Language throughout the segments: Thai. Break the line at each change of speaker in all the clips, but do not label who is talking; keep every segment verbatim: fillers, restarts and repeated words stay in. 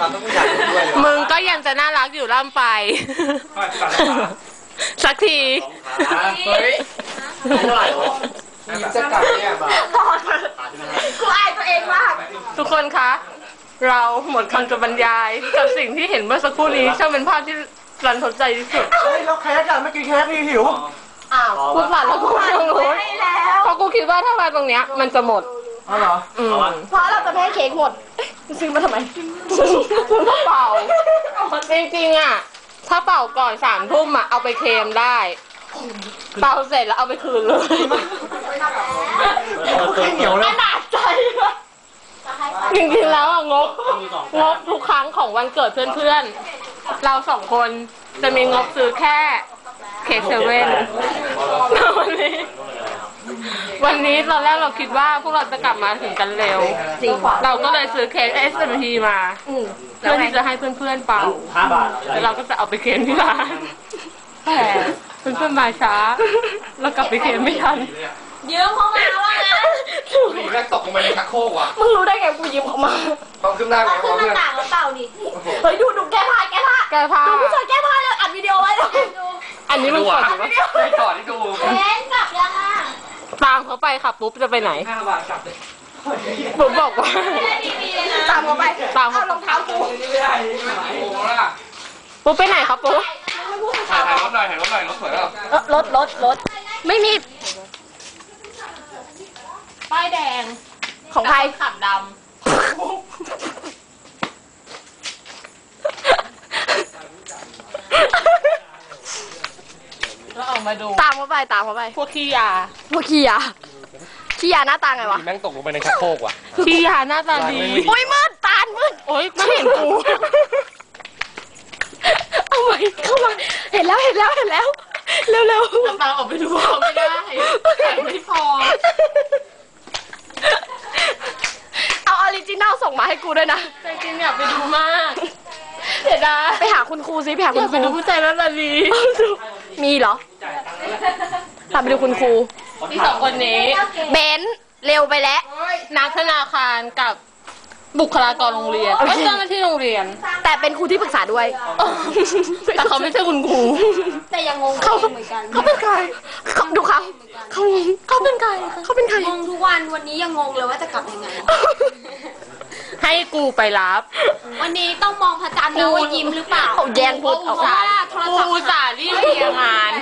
มึงก็ยังจะน่ารักอยู่ร่ำไปสักที
เฮ้ยเท่าไหร่วะยิ้มจะกลับเนี่ยบ้า
กูอายตัวเองมาก
ทุกคนคะเราหมดคำจะบรรยายกับสิ่งที่เห็นเมื่อสักครู่นี้ช่างเป็นภาพที่รันทดใจที่สุด
เฮ้ยเราแค่กันไม่กินแค่พี่หิว
อ้าว
กูผ่านแล้วกูไม่รู้เพราะกูคิดว่าถ้ามาตรงเนี้ยมันจะหมด
อ๋อเหรอ
เพราะเราจะไม่ให้เค้กหมดซื้อมาทำไม
ซื้อมาเป่าจริงๆอ่ะถ้าเป่าก่อนสามทุ่มอ่ะเอาไปเค็มได้เป่าเสร็จแล้วเอาไปคืนเลย
เหนียวเลย
ขนาดใจ
จริงๆแล้วอ่ะงบงบทุกครั้งของวันเกิดเพื่อนๆเราสองคนจะมีงบซื้อแค่เค้กเซเว่นวันนี้วันนี้ตอนแรกเราคิดว่าพวกเราจะกลับมาถึงกันเร็วเราก็เลยซื้อเค้ก เอส เอ็ม พี มาเพื่อที่จะให้เพื่อนๆเป่าแล้วเราก็จะเอาไปเค้กที่ร้านแต่เพื่อนๆมาช้าแล้วกลับไปเค้กไม่ทัน
ยืมเขามาว่าไง
นี่แม่งตกลงไปในชักโครกว่ะ
มึงรู้ได้ไงกูยืมเขามา
ต้องขึ้นหน้าเขา
ขึ้นหน้าต่างแล้วเปล่านี่เฮ้ยดูดูแก้ผ้าแก้ผ้า
แก้ผ้า
ดูผู้ชายแก้ผ้าเลยอัดวิดีโอไว้เลย
อันนี้มันก่อน
ไม่ก่อนที่ดู
เล่นกลับยังอ่ะ
ตามเขาไปค่ะปุ๊บจะไปไหนปุ๊บบอกว่า
ตามเขาไป
ตามเขา
รองเท้ากู
ปุ๊บไปไหนครับปุ๊บ
ถ่ายรถหน่อยถ่ายรถหน่อยรถสวยแล้ว
รถรถรถ
ไม่มีป้ายแดง
ของใคร
ขับดำแล้วออกมาดู
ตามเขาไปตามเขาไป
พวกขี้ยา
พวกขี้ยาขี้ยาหน้าตาไงวะ
แม่งตกลงไปในชักโครกว่ะ
ขี้ยาหน้าตาดี
โอ้ยมืดตามืด
โอ้ยไม่เห็นกู
เอาไว้เข้ามาเห็นแล้วเห็นแล้วเห็นแล้วเร็วเร็ว
ตาออกไปดูเขาไม่ได้แต่ไม่พอ
เอาออริจินัลส่งมาให้กูด้วยนะ
จริงๆอยากไปดูมากเดี๋ยวนะ
ไปหาคุณครูซิไปหาคุณครู
ไปดูผู้ใจแล้วล่ะดี
มีเหรอตามไปดูคุณครู
ที่สองคนนี้
เบนเร็วไปแล้ว
นักธนาคารกับบุคลากรโรงเรียนก็เจ้าหน้าที่โรงเรียน
แต่เป็นครูที่ปรึกษาด้วย
แต่เขาไม่ใช่คุณครู
แต่ยังงงเขาเหมือนกันเขาเป็นใครเขาดูเขาเขาเขาเป็นใครเขาเป็นใครง
งทุกวันวันนี้ยังงงเลยว่าจะกลับยังไง
ให้กูไปรับ
วันนี้ต้องมองพระจันทร์นะว่ายิ้มหรือเปล่า
เขาแย่งพูดเอา
ว่า
กูจ่ารีบเคลียร์งาน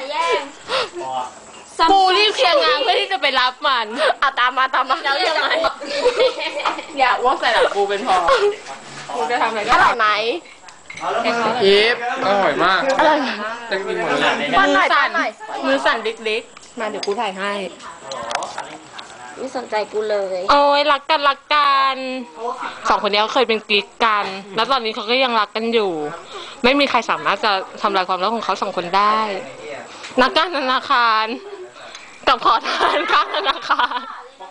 กูรีบเคลียร์งานเพื่อที่จะไปรับมัน
อ่ะตามมาตามมา
แล้วยังไงอยากว่าใส่หลังกูเป็นพอกูจะทำอะไรก็
อร่อยไหม
ยิบอร่อยมาก
อร่อย
จะกินหมดเลย
มือสั่นมือสั่นเล็กๆมาเดี๋ยวกูถ่ายให้
ไม่สนใจกูเลย
โอ้ยรักกันรักกันสองคนนี้เคยเป็นกิ๊กกันแล้วตอนนี้เขาก็ยังรักกันอยู่ไม่มีใครสามารถจะทำลายความรักของเขาสองคนได้นักการธนาคารกับขอทานข้างธนาคาร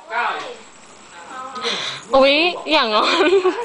อุ๊ยอย่างงั้น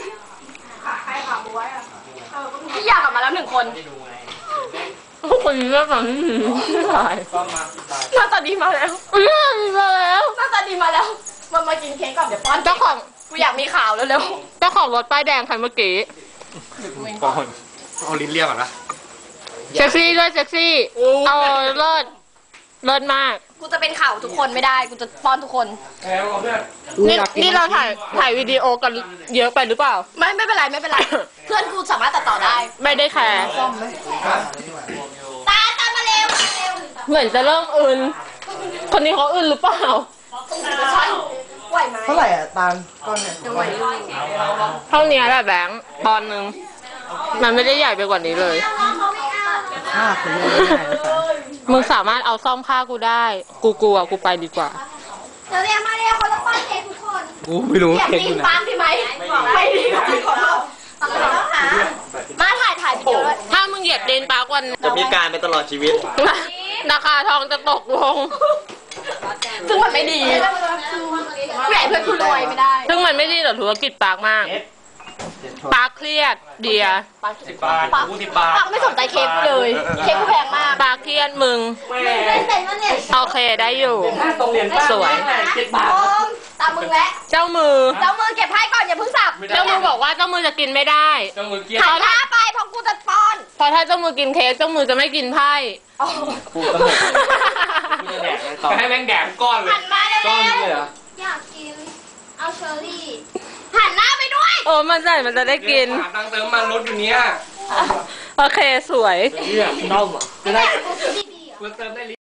พี่อยากกลับมาแล้วหนึ่งคน
พวกคนนี้หน้าตาดี
หน้าตาดีมาแล้ว
หน้าตาดีมาแล้ว
หน้าตาดีมาแล้วมามากินเค้กก่อนเดี๋ยวป้อน
เจ้าของ
กูอยากมีข่าวแล้วเร็ว
เจ้าของรถป้ายแดงคันเมื่อกี้
ก่อนเอาลิ้นเรียกก่อนนะ
เซ็กซี่ด้วยเซ็กซี่เอาเลิศเลิศมาก
กูจะเป็นข่าวทุกคนไม่ได้กูจะป้อนทุกคน
นี่นี่เราถ่ายถ่ายวิดีโอกันเยอะไปหรือเปล่า
ไม่ไม่เป็นไรไม่เป็นไรเพื่อนกูสามารถตัดต่อได้
ไม่ได้แคร์
ตาตามาเร็ว
เหมือนจะเริ่มอื่นคนนี้เขาอื่นหรือเปล่า
ไหวไหม
เท่าไหร่อ่ะตาลก้อนเนี่ย
เท่านี้แหละแบงค์ตอนนึงมันไม่ได้ใหญ่ไปกว่านี้เลย
ห้าคน
มึงสามารถเอาซ่อมผ้ากูได้กูกลัวกูไปดีกว่า
เดี๋ยวเรียกมาเรียกคนละป้อนเค้กทุกคน
กูไม่รู้
เค้กอยู่ไหนปาดีไหมไม่ดีขอโทษมาถ่ายถ่ายวิดีโอด้วย
ถ้ามึงเหยียบเดนปาร์กวัน
จะมีการไปตลอดชีวิต
ราคาทองจะตกลง
ซึ่งมันไม่ดีใหญ่เพื่อนคุณรวยไม่ได้
ซึ่งมันไม่ดีต่อธุรกิจปาร์กมากปาร์คเครียดเดีย
สิบบาทกูสิบบาท
ปาร์คไม่สนใจเค้กเลยเค้กกูแพงมาก
ปาร์คเครียดมึงโอเคได้อยู่สวย
ตตามมึงแล้ว
เจ้ามือ
เจ้ามือเก็บไพ่ก่อนอย่าเพิ่งสับ
เจ้ามือบอกว่าเจ้ามือจะกินไม่ได้
เจ้ามือเกี้ย
หันหน้าไปเพราะกูจะป้อน
เพราะถ้าเจ้ามือกินเค้กเจ้ามือจะไม่กินไพ่
กูต้องหมดกูจะแดกต่อให้แม่งแดกก้อนเลย
หันมาเลย
ก้อนเลยเหรอ
อยากกิน เอาเชอร์รี่
หันหน้าไปด้วย
โอ้มันใส่มันจะได้กิน
หาตังค์เติมมันรถอยู่เนี้ย
โอเคสวย
เนี่ยต้มอ่ะจะได้
ดีๆ
กูเติมได้